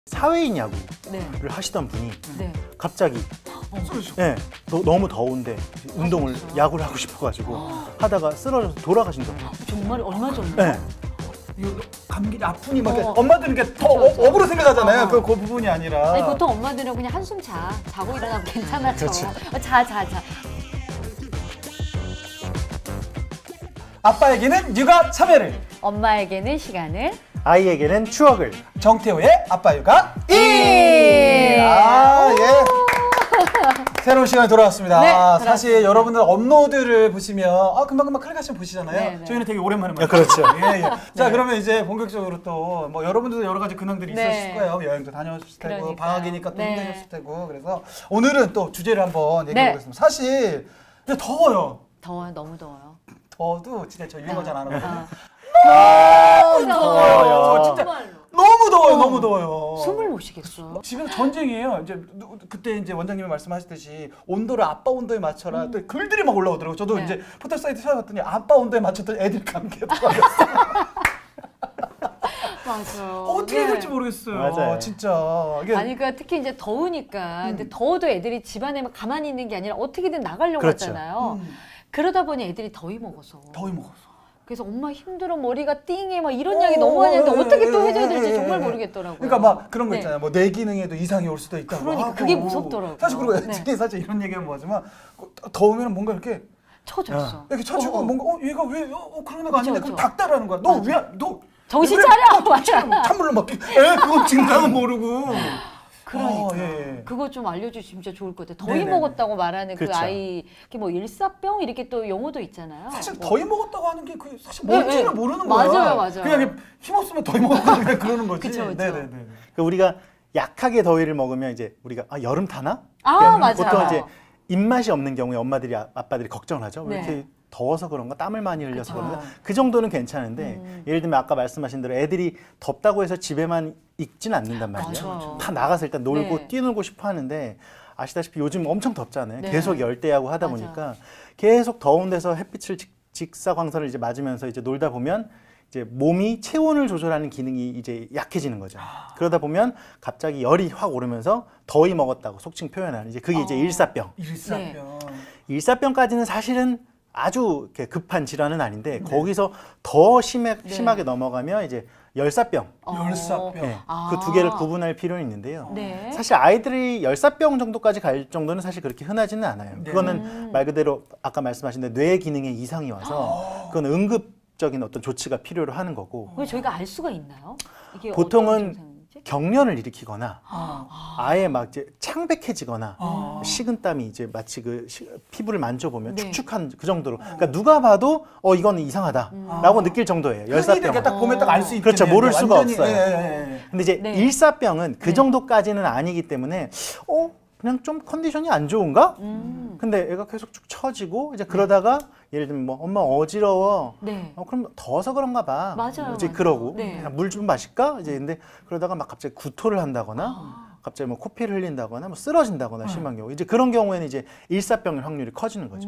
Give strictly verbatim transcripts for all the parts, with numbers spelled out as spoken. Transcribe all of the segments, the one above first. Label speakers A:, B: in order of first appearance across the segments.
A: 사회인 야구를
B: 네.
A: 하시던 분이
B: 네.
A: 갑자기 네, 너, 너무 더운데 운동을 야구를 하고 싶어가지고 하다가 쓰러져서 돌아가신 적.
B: 정말 얼마 전에?
A: 네.
C: 이거 감기 아프니 막
B: 어.
C: 이렇게 엄마들은 이렇게 더
B: 그쵸, 그쵸.
C: 어, 업으로 생각하잖아요.
B: 어.
C: 그, 그 부분이 아니라.
B: 아니 보통 엄마들은 그냥 한숨 자. 자고 일어나면 괜찮아.
A: 그렇죠.
B: 어, 자, 자, 자.
C: 아빠에게는 육아 참여를,
B: 엄마에게는 시간을.
A: 아이에게는 추억을.
C: 정태호의 아빠 육아 일.
B: 일.
C: 아 예. 새로운 시간이 돌아왔습니다.
B: 네,
C: 아,
B: 돌아왔습니다.
C: 사실 여러분들 업로드를 보시면 아 금방금방 클릭하시면 보시잖아요.
B: 네, 네.
C: 저희는 되게 오랜만에
A: 아, 그렇죠.
C: 예, 예. 자 그러면 이제 본격적으로 또 뭐 여러분들도 여러 가지 근황들이
B: 네.
C: 있으실 거예요. 여행도 다녀오셨을 테고
B: 그러니까요.
C: 방학이니까 또
B: 네.
C: 힘드셨을 테고 그래서 오늘은 또 주제를 한번 얘기해
B: 네.
C: 보겠습니다. 사실 이제 더워요.
B: 더워요. 너무 더워요.
C: 더워도 진짜 저 유행어 잘 안 하거든요.
B: 아.
C: 너무 더워요. 진짜
B: 정말로.
C: 너무 더워요.
B: 어.
C: 너무 더워요.
B: 숨을 못 쉬겠어.
C: 집에서 전쟁이에요. 이제 누- 그때 이제 원장님이 말씀하셨듯이 온도를 아빠 온도에 맞춰라. 또 글들이 막 올라오더라고요. 저도
B: 네.
C: 이제 포털 사이트 찾아봤더니 아빠 온도에 맞췄더니 애들이 감기더라고요.
B: 맞아요.
C: 어떻게 해야 될지 모르겠어요.
A: 맞아요.
C: 진짜. 이게
B: 아니 그러니까 특히 이제 더우니까
C: 음.
B: 근데 더워도 애들이 집안에 막 가만히 있는 게 아니라 어떻게든 나가려고
A: 그렇죠.
B: 하잖아요.
C: 음,
B: 그러다 보니 애들이 더위 먹어서.
C: 더위 먹었어.
B: 그래서 엄마 힘들어 머리가 띵해 막 이런
C: 어,
B: 이야기 너무 많이 하는데
C: 예,
B: 어떻게 또
C: 예,
B: 해줘야 될지
C: 예,
B: 정말
C: 예.
B: 모르겠더라고요.
C: 그러니까 막 그런 거
B: 네.
C: 있잖아요. 뭐 내 기능에도 이상이 올 수도 있다고
B: 그러니까
C: 하고.
B: 그게 무섭더라고요.
C: 사실 그리고
B: 네.
C: 애들이 사실 이런 얘기하면 뭐하지만 더우면 뭔가 이렇게
B: 쳐줬어.
C: 이렇게 쳐주고
B: 어, 어.
C: 뭔가 어 얘가 왜 어, 어, 그런 애가 아닌데
B: 그쵸,
C: 그럼
B: 그쵸.
C: 닥달하는 거야. 너
B: 맞아.
C: 왜 너
B: 정신
C: 왜
B: 차려!
C: 정신 차려. 찬물로 막 에 그건 증상은 모르고.
B: 그러니까
C: 어, 예, 예.
B: 그거 좀 알려주시면 진짜 좋을 것 같아요. 더위
C: 네네.
B: 먹었다고 말하는 그
A: 그쵸.
B: 아이 이게 뭐 일사병 이렇게 또 용어도 있잖아요.
C: 사실
B: 뭐.
C: 더위 먹었다고 하는 게 그 사실
B: 네,
C: 뭔지를
B: 네.
C: 모르는 거야.
B: 맞아요, 맞아요.
C: 그냥 힘없으면 더위 먹었다 그냥 그러는 거지.
B: 그쵸, 그쵸.
C: 네네네.
A: 그러니까 우리가 약하게 더위를 먹으면 이제 우리가 아, 여름 타나?
B: 아,
A: 그러니까
B: 맞아요.
A: 보통 이제 입맛이 없는 경우에 엄마들이 아, 아빠들이 걱정을 하죠. 왜
B: 네.
A: 이렇게 더워서 그런가 땀을 많이 흘려서
B: 그쵸.
A: 그런가 그 정도는 괜찮은데
B: 음.
A: 예를 들면 아까 말씀하신 대로 애들이 덥다고 해서 집에만 있진 않는단 말이에요.
B: 맞아요.
A: 다 나가서 일단 놀고
B: 네.
A: 뛰놀고 싶어 하는데 아시다시피 요즘 엄청 덥잖아요.
B: 네.
A: 계속 열대야고 하다
B: 맞아요.
A: 보니까 계속 더운 데서 햇빛을 직, 직사광선을 이제 맞으면서 이제 놀다 보면 이제 몸이 체온을 조절하는 기능이 이제 약해지는 거죠. 그러다 보면 갑자기 열이 확 오르면서 더위 먹었다고 속칭 표현하는 이제 그게 이제
B: 어.
A: 일사병.
C: 일사병.
A: 일사병까지는 사실은 아주 이렇게 급한 질환은 아닌데 거기서 더 심해,
B: 네.
A: 심하게 넘어가면 이제 열사병.
B: 어.
C: 열사병.
A: 네,
B: 아.
A: 그 두 개를 구분할 필요는 있는데요.
B: 네.
A: 사실 아이들이 열사병 정도까지 갈 정도는 사실 그렇게 흔하지는 않아요.
C: 네.
A: 그거는
B: 음.
A: 말 그대로 아까 말씀하신 대로 뇌 기능에 이상이 와서 그건 응급적인 어떤 조치가 필요로 하는 거고
B: 그걸 저희가 알 수가 있나요? 이게
A: 보통은
B: 어떤 증상인지?
A: 경련을 일으키거나
C: 아.
A: 아예 막 이제 창백해지거나
C: 아.
A: 식은땀이 이제 마치 그 시- 피부를 만져보면
B: 네.
A: 축축한 그 정도로 그러니까 누가 봐도 어 이거는 이상하다라고 느낄 정도예요.
C: 흔히들
A: 열사병.
C: 이렇게 딱 보면 딱 알 수 있겠네요.
A: 그렇죠. 모를
C: 이게
A: 수가
C: 완전히,
A: 없어요.
C: 예, 예, 예.
A: 근데 이제
B: 네.
A: 일사병은 그
B: 네.
A: 정도까지는 아니기 때문에 어 그냥 좀 컨디션이 안 좋은가?
B: 음.
A: 근데 애가 계속 쭉 처지고 이제 그러다가 예를 들면 뭐 엄마 어지러워.
B: 네.
A: 어 그럼 더워서 그런가 봐.
B: 맞아요,
A: 이제
B: 맞아요.
A: 그러고
B: 네.
A: 물 좀 마실까? 이제 근데 그러다가 막 갑자기 구토를 한다거나
B: 아.
A: 갑자기 뭐 코피를 흘린다거나 뭐 쓰러진다거나 심한 경우 이제 그런 경우에는 이제 일사병의 확률이 커지는 거죠.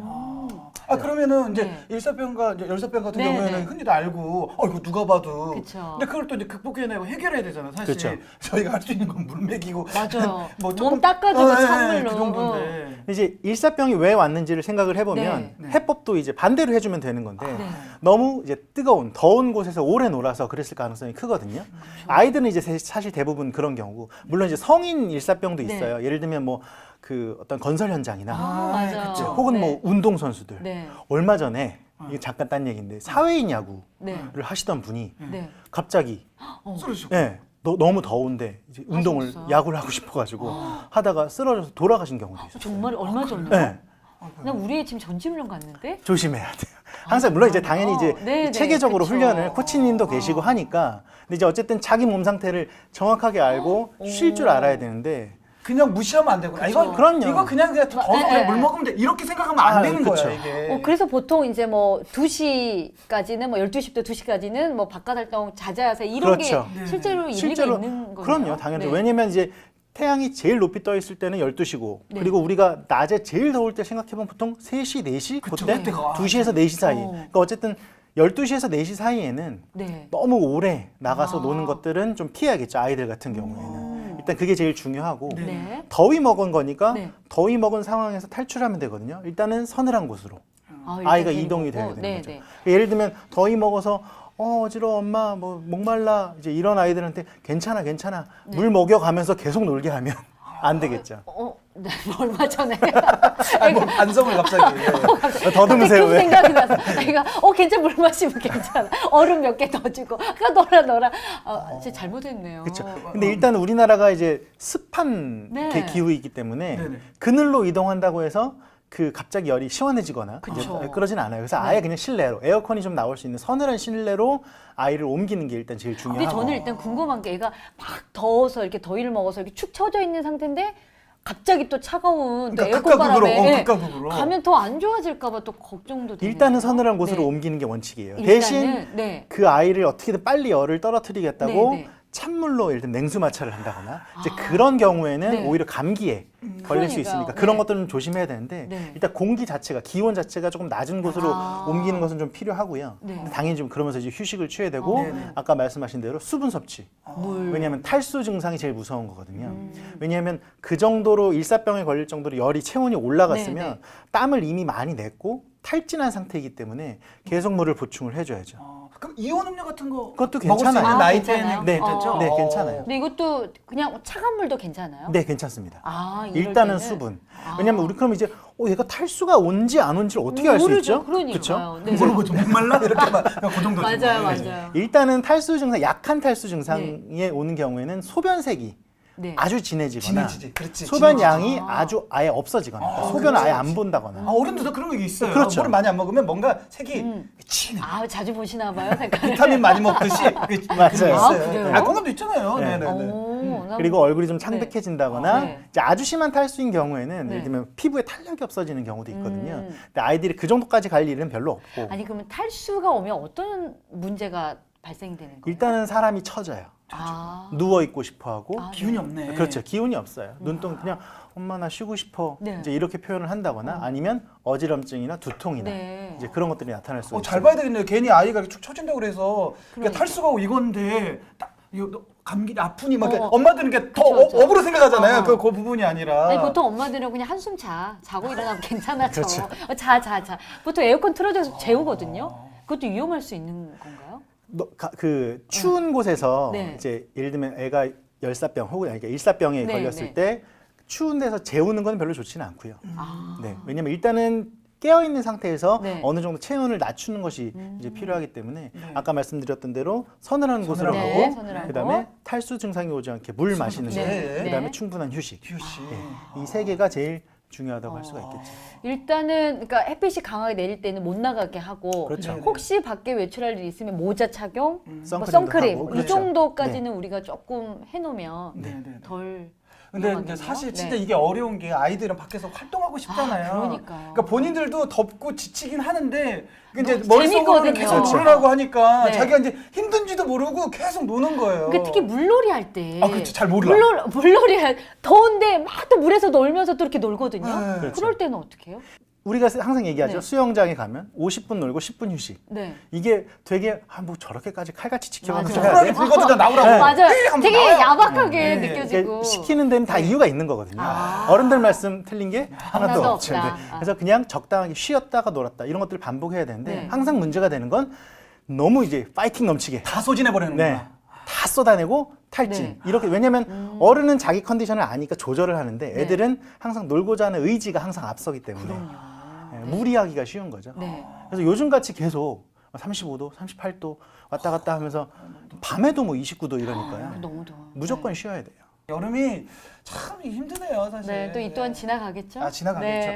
C: 아 그러면은 이제
B: 네.
C: 일사병과 이제 열사병 같은
B: 네,
C: 경우에는
B: 네.
C: 흔히들 알고 어 이거 누가 봐도
B: 그쵸.
C: 근데 그걸 또 이제 극복해내고 해결해야 되잖아요. 사실
A: 그쵸.
C: 저희가 할 수 있는 건 물 먹이고
B: 맞아요.
C: 뭐
B: 몸 닦아주고
C: 어, 예, 예,
B: 찬물로.
C: 그 정도인데
A: 이제 일사병이 왜 왔는지를 생각을 해보면
C: 네.
A: 해법도 이제 반대로 해주면 되는 건데
B: 네.
A: 너무 이제 뜨거운 더운 곳에서 오래 놀아서 그랬을 가능성이 크거든요. 아이들은 이제 세- 사실 대부분 그런 경우고 물론 이제 성인 일사병도
B: 네.
A: 있어요. 예를 들면 뭐 그 어떤 건설 현장이나
B: 아, 맞아요.
C: 그쵸.
A: 혹은
B: 네.
A: 뭐 운동 선수들
B: 네.
A: 얼마 전에 이게 잠깐 딴 얘기인데 사회인 야구를
B: 네.
A: 하시던 분이
B: 네.
A: 갑자기
B: 어.
C: 쓰러지셨고
A: 예, 너, 너무 더운데 이제 운동을
B: 하셨어요?
A: 야구를 하고 싶어가지고 하다가 쓰러져서 돌아가신 경우도 있어요.
B: 정말 얼마 전에?
A: 네.
B: 나 우리 애 지금 전지훈련 갔는데?
A: 조심해야 돼요. 항상 물론 이제 당연히 이제
B: 네, 네,
A: 체계적으로
B: 그쵸.
A: 훈련을 코치님도 계시고
B: 어.
A: 하니까 근데 이제 어쨌든 자기 몸 상태를 정확하게 알고 쉴 줄 알아야 되는데
C: 그냥 무시하면 안 되구나. 이거
A: 그럼요.
C: 이거 그냥 그냥 더서
B: 네,
C: 그냥
B: 네.
C: 물 먹으면 돼. 이렇게 생각하면 안
A: 아,
C: 되는
A: 그쵸.
C: 거야 이게.
B: 어, 그래서 보통 이제 뭐 두 시까지는 뭐 열두 시부터 두 시까지는 뭐 바깥 활동 자제하세요. 이런
A: 그렇죠.
B: 게
C: 네,
B: 실제로 일리가
A: 실제로
B: 있는 거예요.
A: 그럼요, 당연히 왜냐면 이제 태양이 제일 높이 떠 있을 때는 열두 시고
B: 네.
A: 그리고 우리가 낮에 제일 더울 때 생각해보면 보통 세 시, 네 시
C: 그쵸,
A: 그때
C: 그때가.
A: 두 시에서 네 시 사이.
B: 어.
A: 그러니까 어쨌든 열두 시에서 네 시 사이에는
B: 네.
A: 너무 오래 나가서
B: 아.
A: 노는 것들은 좀 피해야겠죠, 아이들 같은 경우에는.
B: 음.
A: 일단 그게 제일 중요하고
C: 네.
B: 네.
A: 더위 먹은 거니까
B: 네.
A: 더위 먹은 상황에서 탈출하면 되거든요. 일단은 서늘한 곳으로
B: 아, 일단
A: 아이가
B: 되는
A: 이동이
B: 거고.
A: 돼야 되는
B: 네,
A: 거죠.
B: 네.
A: 예를 들면 더위 먹어서 어 어지러워 엄마 뭐 목말라 이제 이런 아이들한테 괜찮아 괜찮아
B: 네.
A: 물 먹여가면서 계속 놀게 하면 안 되겠죠.
B: 어, 네, 얼마 전에
C: 아니, 뭐 반성을 갑자기. 예.
A: 더듬으세요
B: 그
A: 왜?
B: 생각이 나서 애가 어 괜찮아 물 마시면 괜찮아 얼음 몇 개 더 주고 가 놀아 놀아 아, 진짜 잘못했네요.
A: 그렇죠. 근데 일단 우리나라가 이제 습한
B: 네.
A: 게 기후이기 때문에
C: 네네.
A: 그늘로 이동한다고 해서 그 갑자기 열이 시원해지거나
B: 그쵸.
A: 이제 그러진 않아요. 그래서 아예
B: 네.
A: 그냥 실내로 에어컨이 좀 나올 수 있는 서늘한 실내로 아이를 옮기는 게 일단 제일
B: 근데
A: 중요하고.
B: 저는 일단 궁금한 게 애가 막 더워서 이렇게 더위를 먹어서 이렇게 축 처져 있는 상태인데 갑자기 또 차가운 또
C: 그러니까
B: 에어컨
C: 극과 극으로,
B: 바람에
C: 어,
B: 예,
C: 극과 극으로.
B: 가면 더 안 좋아질까봐 또 걱정도 되네요.
A: 일단은 서늘한 곳으로
B: 네.
A: 옮기는 게 원칙이에요.
B: 일단은,
A: 대신
B: 네.
A: 그 아이를 어떻게든 빨리 열을 떨어뜨리겠다고
B: 네, 네.
A: 찬물로 예를 들면 냉수 마찰을 한다거나 이제
B: 아.
A: 그런 경우에는
B: 네.
A: 오히려 감기에 걸릴 수
B: 그러니까요.
A: 있으니까 그런
B: 네.
A: 것들은 좀 조심해야 되는데
B: 네.
A: 일단 공기 자체가 기온 자체가 조금 낮은 곳으로
B: 아.
A: 옮기는 것은 좀 필요하고요.
B: 네.
A: 근데 당연히 좀 그러면서 이제 휴식을 취해야 되고
B: 어,
C: 네네.
A: 아까 말씀하신 대로 수분 섭취.
B: 물.
A: 왜냐하면 탈수 증상이 제일 무서운 거거든요.
B: 음.
A: 왜냐하면 그 정도로 일사병에 걸릴 정도로 열이 체온이 올라갔으면
B: 네, 네.
A: 땀을 이미 많이 냈고 탈진한 상태이기 때문에 계속 물을 보충을 해줘야죠.
C: 어, 그럼 이온 음료 같은 거
A: 그것도
C: 먹을 수
A: 괜찮아요.
C: 있는
B: 아,
C: 나이
B: 괜찮아요?
C: 때는
A: 네,
C: 괜찮죠?
A: 네,
C: 어.
A: 괜찮아요.
B: 근데 이것도 그냥 차가운 물도 괜찮아요?
A: 네, 괜찮습니다.
B: 아, 이럴
A: 일단은
B: 때는?
A: 수분.
B: 아.
A: 왜냐면 우리 그럼 이제 어, 얘가 탈수가 온지 안 온지를 어떻게 알 수
B: 모르죠.
A: 있죠?
B: 그러니까요.
A: 그쵸?
B: 네.
C: 물어보죠. 목말라 이렇게만 그냥 그 정도죠.
B: 맞아요,
C: 네.
B: 맞아요.
A: 일단은 탈수 증상, 약한 탈수 증상에 오는 경우에는 소변색이
B: 네.
A: 아주 진해지거나
C: 진해지지. 그렇지.
A: 소변
C: 진해지지.
A: 양이
B: 아.
A: 아주 아예 없어지거나
C: 아,
A: 소변을 아예
C: 그렇지.
A: 안 본다거나
C: 아, 어른들도 그런 게 있어요.
A: 그렇죠.
C: 물을 많이 안 먹으면 뭔가 색이
B: 음.
C: 진해.
B: 아, 자주 보시나 봐요, 색깔.
C: 비타민 많이 먹듯이 그게
A: 맞아요.
C: 그런 게
B: 아,
C: 있어요.
B: 그래요?
C: 아, 그것도 있잖아요.
A: 네.
C: 네, 네, 네.
B: 오, 난-
A: 그리고 얼굴이 좀 창백해진다거나
B: 아, 네.
A: 이제 아주 심한 탈수인 경우에는
B: 네.
A: 예를 들면 피부에 탄력이 없어지는 경우도 있거든요.
B: 음.
A: 근데 아이들이 그 정도까지 갈 일은 별로 없고
B: 아니 그러면 탈수가 오면 어떤 문제가 발생이 되는 거예요?
A: 일단은 사람이 처져요.
B: 아,
A: 누워 있고 싶어하고
B: 아,
C: 기운이 없네.
A: 그렇죠. 기운이 없어요. 눈동 그냥 엄마 나 쉬고 싶어
B: 네.
A: 이제 이렇게 표현을 한다거나 아니면 어지럼증이나 두통이나
B: 네.
A: 이제 그런 것들이 나타날 수
C: 어,
A: 있어요.
C: 잘 봐야 되겠네요. 괜히 아이가 이렇게 축 처진다고 그래서 그러니까
B: 그러니까.
C: 탈수가 오고 이건데 딱 이거 너 감기 아프니 막 이렇게
B: 어.
C: 엄마들은 이렇게 더
B: 그쵸, 그쵸.
C: 어, 업으로 생각하잖아요.
B: 어.
C: 그, 그 부분이 아니라.
B: 아니 보통 엄마들은 그냥 한숨 자 자고 일어나면 괜찮아져.
A: 그렇죠.
B: 어, 자, 자, 자. 보통 에어컨 틀어줘서 재우거든요. 그것도 위험할 수 있는 건가요?
A: 너, 가, 그 추운 곳에서
B: 네.
A: 이제 예를 들면 애가 열사병 혹은 그러니까 일사병에
B: 네,
A: 걸렸을
B: 네.
A: 때 추운 데서 재우는 건 별로 좋지는 않고요.
B: 아,
A: 네, 왜냐면 일단은 깨어 있는 상태에서
B: 네.
A: 어느 정도 체온을 낮추는 것이
B: 음.
A: 이제 필요하기 때문에
C: 네.
A: 아까 말씀드렸던 대로 서늘한 곳으로
C: 서늘한
A: 가고
B: 곳. 서늘한
A: 그다음에
B: 곳.
A: 탈수 증상이 오지 않게 물 마시는 거,
C: 네, 네.
A: 그다음에
B: 네.
A: 충분한 휴식.
C: 휴식.
A: 이 세 개가 제일 중요하다고 할
B: 어.
A: 수가 있겠죠.
B: 일단은 그러니까 햇빛이 강하게 내릴 때는 못 나가게 하고
A: 그렇죠.
C: 네.
B: 혹시 밖에 외출할 일이 있으면 모자 착용, 뭐
A: 선크림도
B: 선크림
A: 하고,
B: 이
A: 그렇죠.
B: 정도까지는 우리가 조금 해놓으면
C: 네, 네, 네.
B: 덜.
C: 근데
B: 위험하겠네요.
C: 이제 사실 진짜
B: 네.
C: 이게 어려운 게 아이들은 밖에서 활동하고 싶잖아요.
B: 아, 그러니까요.
C: 그러니까 본인들도 덥고 지치긴 하는데 이제
B: 너무
C: 머릿속으로는
B: 재밌거든요.
C: 계속
A: 그렇죠.
C: 놀으라고 하니까
B: 네.
C: 자기가 이제 힘든지도 모르고 계속 노는 거예요.
B: 그러니까 특히 물놀이 할 때.
C: 아, 그렇지. 잘 몰라.
B: 물놀, 물놀이 할 더운데 막 또 물에서 놀면서 또 이렇게 놀거든요.
C: 네.
A: 그렇죠.
B: 그럴 때는 어떻게 해요?
A: 우리가 항상 얘기하죠.
B: 네.
A: 수영장에 가면 오십 분 놀고 십 분 휴식.
B: 네.
A: 이게 되게 아, 뭐 저렇게까지 칼같이 지켜가면서
B: 맞아요.
A: 해야 돼?
C: 쿨하게 불거든 나오라고.
A: 네.
B: 맞아요.
C: 에이, 한번
B: 되게
C: 나와요.
B: 야박하게
C: 네.
B: 느껴지고.
A: 이게 시키는 데는 다 이유가 있는 거거든요.
B: 아.
A: 어른들 말씀 틀린 게 하나도,
B: 하나도
A: 없죠.
B: 없다.
A: 네.
B: 아.
A: 그래서 그냥 적당하게 쉬었다가 놀았다 이런 것들을 반복해야 되는데
B: 네.
A: 항상 문제가 되는 건 너무 이제 파이팅 넘치게
C: 다 소진해 버리는
A: 네.
C: 거야.
A: 다 쏟아내고 탈진
B: 네.
A: 이렇게 왜냐면
B: 음.
A: 어른은 자기 컨디션을 아니까 조절을 하는데 애들은 항상 놀고자 하는 의지가 항상 앞서기 때문에
B: 그럼요.
A: 네, 무리하기가 쉬운 거죠.
B: 네.
A: 그래서 요즘 같이 계속 삼십오 도, 삼십팔 도 왔다 갔다 하면서 밤에도 뭐 이십구 도 이러니까요.
B: 너무 더워.
A: 무조건 쉬어야 돼요.
C: 여름이 참 힘드네요, 사실.
B: 네. 또 이 또한 지나가겠죠?
C: 아, 지나가겠죠.
B: 네.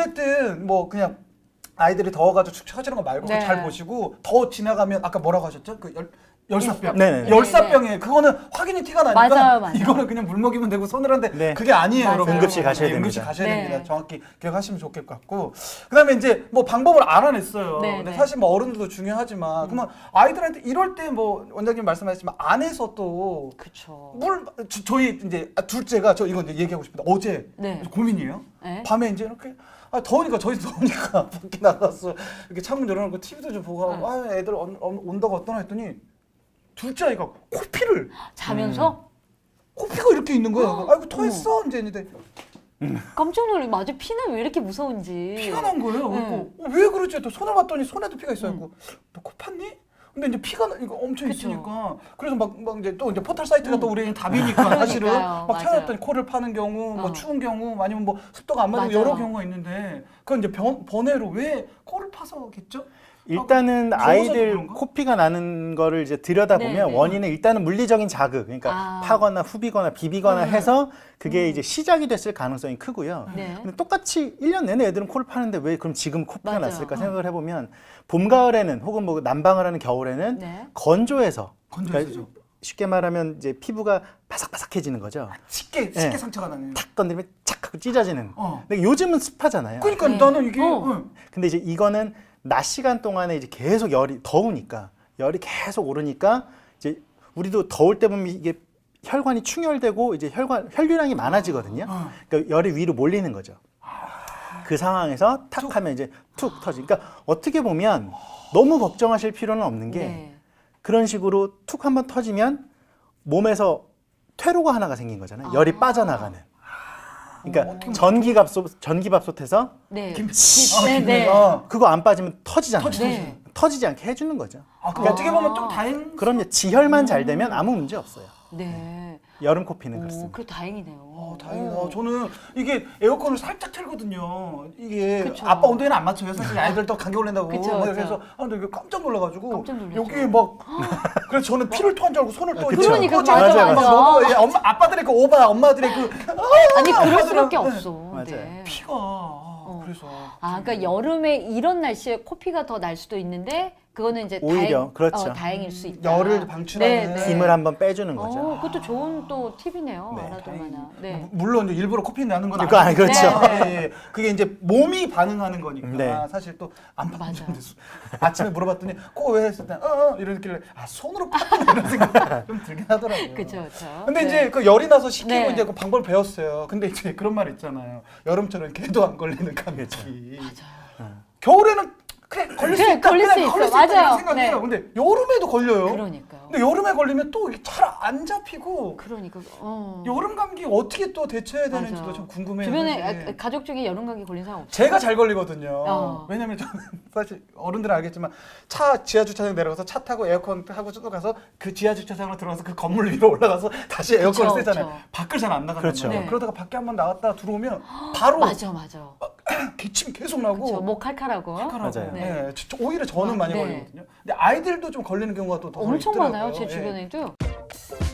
C: 어쨌든 뭐 그냥 아이들이 더워가지고 축 처지는 거 말고
B: 네.
C: 잘 보시고 더 지나가면 아까 뭐라고 하셨죠? 그 열, 열사병.
A: 네네네.
C: 열사병에 그거는 확연히 티가 나니까
B: 맞아요, 맞아요.
C: 이거는 그냥 물 먹이면 되고 서늘한데
A: 네.
C: 그게 아니에요,
B: 맞아요.
C: 여러분.
A: 응급실 가셔야
C: 네, 응급실
A: 됩니다.
C: 가셔야
B: 네.
C: 됩니다. 정확히 기억하시면 좋을 것 같고. 그다음에 이제 뭐 방법을 알아냈어요.
B: 네,
C: 근데
B: 네.
C: 사실 뭐 어른들도 중요하지만 그러면 아이들한테 이럴 때 뭐 원장님 말씀하셨지만 안에서 또
B: 그쵸.
C: 물 저- 저희 이제 아, 둘째가 저 이거 이제 얘기하고 싶은데 어제
B: 네.
C: 고민이에요.
B: 네.
C: 밤에 이제 이렇게 아 더우니까 저희 더우니까 밖에 나가서 이렇게 창문 열어놓고 티비도 좀 보고 하고 아 애들 온- 온- 온다고 어떠나 했더니 둘째 아이가 코피를
B: 자면서?
C: 코피가 이렇게 있는 거예요. 아이고 토했어 이제 이제
B: 깜짝 놀래. 맞아. 피는 왜 이렇게 무서운지.
C: 피가 난 거예요.
B: 네.
C: 그리고 어, 왜 그러지? 또 손을 봤더니 손에도 피가 있어요. 너 코 팠니? 근데 이제 피가 나, 이거 엄청
B: 그쵸.
C: 있으니까 그래서 막, 막 이제 또 이제 포털 사이트가 또 우리는 답이니까 사실은
B: 그러니까요.
C: 막
B: 맞아요.
C: 찾아봤더니 코를 파는 경우, 뭐
B: 어.
C: 추운 경우, 아니면 뭐 습도가 안 맞는
B: 맞아요.
C: 여러 경우가 있는데 그건 이제 변, 번외로 왜 코를 파서겠죠?
A: 일단은
C: 더워서
A: 아이들
C: 그런가?
A: 코피가 나는 거를 이제 들여다보면
B: 네, 네.
A: 원인은 일단은 물리적인 자극, 그러니까
B: 아.
A: 파거나 후비거나 비비거나
C: 네.
A: 해서 그게 이제 시작이 됐을 가능성이 크고요.
B: 네.
A: 근데 똑같이 일 년 내내 애들은 코를 파는데 왜 그럼 지금 코피가
B: 맞아요.
A: 났을까 생각을 해보면 봄, 가을에는 혹은 뭐 난방을 하는 겨울에는
B: 네.
A: 건조해서
C: 건조해서죠.
A: 그러니까 쉽게 말하면 이제 피부가 바삭바삭해지는 거죠.
C: 쉽게 쉽게
A: 네.
C: 상처가 나네요.
A: 탁 건드리면 착 하고 찢어지는.
C: 어.
A: 근데 요즘은 습하잖아요.
C: 그러니까
B: 네.
C: 나는 이게
B: 어.
C: 응.
A: 근데 이제 이거는 낮 시간 동안에 이제 계속 열이 더우니까 열이 계속 오르니까 이제 우리도 더울 때 보면 이게 혈관이 충혈되고 이제 혈관 혈류량이 많아지거든요.
C: 어.
A: 그러니까 열이 위로 몰리는 거죠. 그 상황에서 탁 하면 이제 툭 터지. 그러니까 어떻게 보면 너무 걱정하실 필요는 없는 게
B: 네.
A: 그런 식으로 툭 한번 터지면 몸에서 퇴로가 하나가 생긴 거잖아요. 열이
B: 아.
A: 빠져나가는. 그러니까
C: 어떻게
A: 전기밥솥 전기밥솥에서
B: 네.
C: 김치.
B: 네,
C: 김-
B: 네.
C: 어.
A: 그거 안 빠지면 터지잖아요.
C: 터지, 터지.
B: 네.
A: 터지지 않게 해주는 거죠.
C: 아, 그 어떻게 보면 좀 다행.
A: 그럼요. 지혈만 잘 되면 아무 문제 없어요.
B: 네.
A: 여름 코피는
B: 오,
A: 그렇습니다.
B: 그래 다행이네요.
C: 어, 다행이다.
B: 오.
C: 저는 이게 에어컨을 살짝 틀거든요. 이게
B: 그쵸.
C: 아빠 온도에는 안 맞춰요. 사실 아이들도 감기 걸린다고.
B: 그쵸,
C: 막
B: 그쵸.
C: 그래서 아, 근데 이게 깜짝 놀라가지고
B: 깜짝 놀랐죠.
C: 여기에 막 그래서 저는 피를 토한 줄 알고 손을 또
A: 그쵸.
C: 이렇게
B: 그러니까,
C: 꽂아-
A: 맞아,
C: 막
B: 맞아.
C: 너무 예, 엄마 아빠들의 그 오바, 엄마들의 그
B: 아니 그럴 수밖에
C: 네.
B: 없어.
A: 맞아요.
B: 네.
C: 피가 아, 그래서
B: 아, 그러니까 여름에 이런 날씨에 코피가 더 날 수도 있는데 그거는 이제
A: 오히려,
B: 다행,
A: 그렇죠.
B: 어, 다행일 수 있다.
C: 열을 방출하는
B: 네, 네.
A: 힘을 한번 빼주는 거죠.
B: 어, 그것도 좋은 또 팁이네요.
A: 네,
B: 알아둘 만한. 네.
C: 무- 물론 이제 일부러 코피 나는 건
A: 그거 아니,
C: 아니고
A: 그렇죠.
B: 네,
C: 예, 예. 그게 이제 몸이 반응하는 거니까
A: 네.
C: 사실 또 안
B: 맞아.
C: 받는데 아침에 물어봤더니 코 왜 했을 때 어어 이러길래 아 손으로 팠구나 이런 생각 좀 들긴 하더라고요.
B: 그렇죠, 그렇죠.
C: 근데
B: 네.
C: 이제 그 열이 나서 식히고
B: 네.
C: 이제 그 방법을 배웠어요. 근데 이제 그런 말 있잖아요. 여름처럼 개도 안 걸리는 감기.
B: 맞아요.
C: 겨울에는 그래 걸릴 수
B: 그래,
C: 있다.
B: 걸릴
C: 그냥
B: 수 있어.
C: 걸릴 수
B: 맞아요.
C: 있다 이런 생각해요.
B: 네.
C: 근데 여름에도 걸려요.
B: 그러니까요.
C: 근데 여름에 걸리면 또 잘 안 잡히고
B: 그러니까 어.
C: 여름 감기 어떻게 또 대처해야
B: 맞아.
C: 되는지도 좀 궁금해요.
B: 주변에
C: 사실.
B: 아, 가족 중에 여름 감기 걸린 사람 없어요?
C: 제가 잘 걸리거든요.
B: 어.
C: 왜냐면 저는 사실 어른들은 알겠지만 차 지하 주차장 내려가서 차 타고 에어컨 타고 쭉 가서 그 지하 주차장으로 들어가서 그 건물 위로 올라가서 다시 에어컨을
B: 그쵸,
C: 쓰잖아요.
B: 그쵸.
C: 밖을 잘 안 나간단
A: 그렇죠.
C: 말이에요.
B: 네.
C: 그러다가 밖에 한번 나갔다 들어오면 바로
B: 맞아, 맞아.
C: 기침이 계속 나고
B: 그렇죠. 목 칼칼하고.
C: 칼칼하고.
A: 맞아요.
C: 네. 저- 저 오히려 저는
B: 아,
C: 많이
B: 네.
C: 걸리거든요. 근데 아이들도 좀 걸리는 경우가 또 더
B: 엄청
C: 있더라고요.
B: 많아요. 제
C: 예.
B: 주변에도.